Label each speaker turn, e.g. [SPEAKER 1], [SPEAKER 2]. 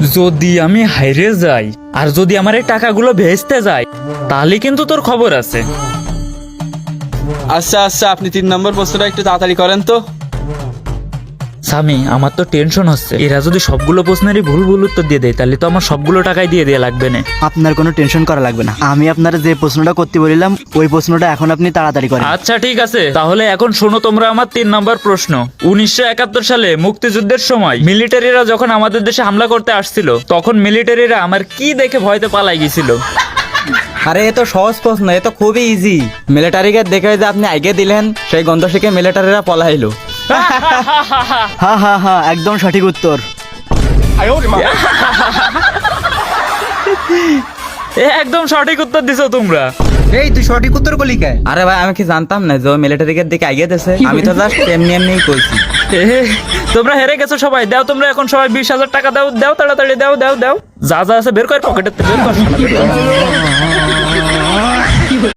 [SPEAKER 1] যদি আমি হাইরে যাই আর যদি আমার এই টাকাগুলো ভেস্তে যায় তাহলে কিন্তু তোর খবর আছে।
[SPEAKER 2] আচ্ছা আচ্ছা, আপনি 3 নম্বর প্রশ্নটা একটু তাড়াতাড়ি করেন তো।
[SPEAKER 1] স্বামী, আমার তো টেনশন হচ্ছে, এরা যদি সবগুলো প্রশ্নেরই ভুল ভুল উত্তর দিয়ে দেয় তাহলে তো আমার সবগুলো টাকাই দিয়ে দেয়া লাগবে না।
[SPEAKER 3] আপনার কোনো টেনশন করা লাগবে না, আমি আপনার যে প্রশ্নটা করতে বলিলাম ওই প্রশ্নটা এখন আপনি তাড়াতাড়ি করেন।
[SPEAKER 1] আচ্ছা ঠিক আছে, তাহলে এখন শোনো তোমরা আমার 3 নম্বর প্রশ্ন। 1971 সালে মুক্তিযুদ্ধের সময় মিলিটারিরা যখন আমাদের দেশে হামলা করতে আসছিল তখন মিলিটারিরা আমার কি দেখে ভয়তে পালাই গেছিল?
[SPEAKER 4] আরে এ তো সহজ প্রশ্ন, এ তো খুবই ইজি। মিলিটারিকে দেখে যে আপনি আগে দিলেন সেই গন্ধ শিখে মিলিটারিরা পলাইলো।
[SPEAKER 3] হ্যাঁ হ্যাঁ হ্যাঁ, একদম সঠিক উত্তর।
[SPEAKER 1] একদম সঠিক উত্তর দিছো তোমরা।
[SPEAKER 5] এই তুই সঠিক উত্তর করলি কে?
[SPEAKER 4] আরে ভাই আমি কি জানতাম না যে ও মিলিটারিকে দিকে আগে দিয়েছে, আমি তো জাস্ট এমনি এমনি কইছি।
[SPEAKER 1] তোমরা হেরে গেছো সবাই। দাও তোমরা এখন সবাই 20,000 টাকা দাও, দাও তাড়াতাড়ি দাও দাও দাও, যা যা আছে বের কর, পকেটের বের কর।